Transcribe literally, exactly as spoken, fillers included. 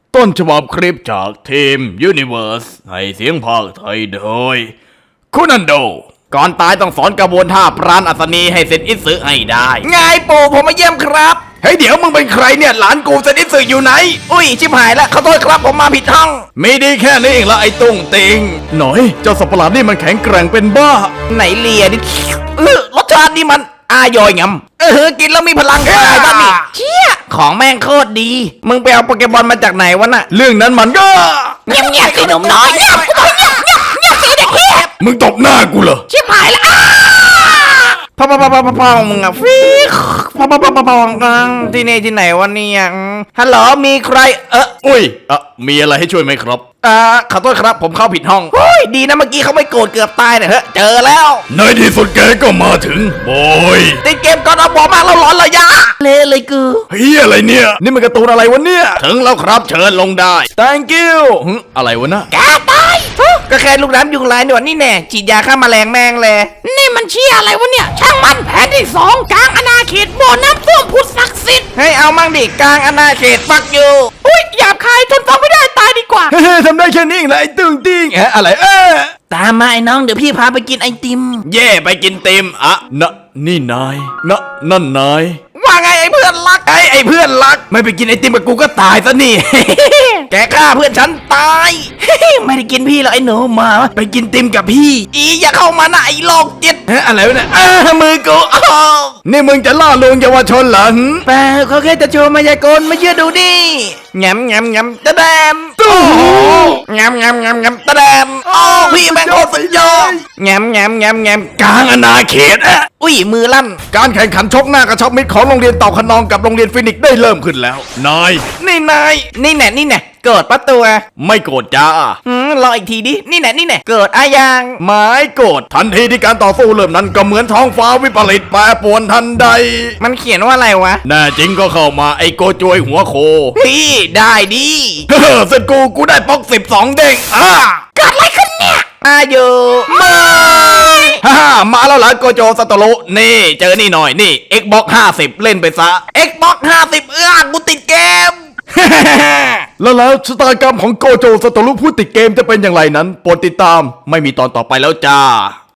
ต้นฉบับคลิปจากทีม Universe ให้เสียงภาคไทยโดยคุนันโดก่อนตายต้องสอนกระบวนท่าปราณอัศนีให้เซนอิสึให้ได้ไงปู่ผมมาเยี่ยมครับเฮ้ยเดี๋ยวมึงเป็นใครเนี่ยหลานกูเซนอิสึอยู่ไหนอุ้ยชิบหายแล้วขอโทษครับผมมาผิดห้องไม่ดีแค่นี้เองละไอ้ตุ้งติงหน่อยเจ้าสัตว์ประหลาดนี่มันแข็งแกร่งเป็นบ้าไหนเลียดิเออรสชาตินี่มันอายอยงำเออกินแล้วมีพลังกายบ้างนี่เชี่ยของแม่งโคตรดีมึงไปเอาโปเกมอนมาจากไหนวะน่ะเรื่องนั้นมันก็เงียบเงียบสิหนุ่มน้อยเงียบเงียบเงียบเงียบสิเด็กเงียบมึงตบหน้ากูเหรอชิบหายแล้วพ่อพ่อพ่อพ่อพ่อมึงอะฟิกพ่อพ่อพ่อพ่อพ่อที่นี่ที่ไหนวะเนี่ยฮัลโหลมีใครเอออุ้ยเออมีอะไรให้ช่วยไหมครับอ่าขอโทษครับผมเข้าผิดห้องเฮ้ยดีนะเมื่อกี้เขาไม่โกรธเกือบตายเนี่ยเฮ้ยเจอแล้วในที่สุดแกก็มาถึงโอ้ยติดเกมก่อนเอาบอกมากแล้วร้อนระยะเละเลยกูเฮ้ยอะไรเนี่ยนี่มันการ์ตูนอะไรวะเนี่ยถึงแล้วครับเชิญลงได้ thank you อะไรวะนะแกตายก็แค่ลูกน้ำยุงลายหนวดนี่แน่ฉีดยาฆ่าแมลงแมงเลยนี่มันเชี่ยอะไรวะเนี่ยช่างมันแผนที่สองกลางอาณาเขตบ่อน้ำท่วมพุทธศักดิ์สิทธิ์ให้เอามั่งดิกลางอาณาเขตฟักอยู่อุ้ยหยาบคายทนฟังไม่ได้ตายดีกว่าเฮ้ยทำได้แค่นี้เองนะไอ้ตึงติ้งเอ๊ะอะไรเอ๊ะตามมาไอ้น้องเดี๋ยวพี่พาไปกินไอติมเย่ไปกินติมอะนะนี่นายนะนั่นนายว่าไงไอ้เพื่อนรักไอ้ไอ้เพื่อนรักไม่ไปกินไอติมกับกูก็ตายซะนี่ แกฆ่าเพื่อนฉันตาย ไม่ได้กินพี่หรอกไอ้หนูมาไปกินติมกับพี่อีอย่าเข้ามานะไอ้โลกจิตอะไรวะเนี่ยมือกูนี่มึงจะล่อลวงเยาวชนเหรอเปล่าเขาแค่จะโชว์มายากลมาเชื่อดูดิงำงำงำตะแดมตู้งำงำงำงำตะแดมโอ้พี่แม่งโคตรสุดยอดงำงำงำงำกลางอาณาเขตอะอุ้ยมือลั่นการแข่งขันชกหน้ากระชับมิตรของโรงเรียนเต่าขนองกับโรงเรียนฟินิกซ์ได้เริ่มขึ้นแล้วนายนี่นายนี่แน่นี่แน่เกิดปะตัวไม่โกรธจ้าอืมรออีกทีดินี่แน่นี่แน่เกิดอายังหมายโกรธทันทีที่การต่อสู้เริ่มนั้นก็เหมือนท้องฟ้าวิปริตแปรปรวนทันใดมันเขียนว่าอะไรวะแน่จริงก็เข้ามาไอโกจวยหัวโคพี่ได้ดิเฮ้อเสร็จกูกูได้ป๊อกสิบสองเด้งอ่าเกิดอะไรขึ้นเนี่ยอายุไม่ฮ่ามาแล้วเหรอโกโจซาโตโรุนี่เจอนี่หน่อยนี่ Xbox ห้าสิบเล่นไปซะ Xbox ห้าสิบเอื้อกูติดเกม แล้วแล้วชะตากรรมของโกโจซาโตรุผู้ติดเกมจะเป็นอย่างไรนั้นโปรดติดตามไม่มีตอนต่อไปแล้วจ้า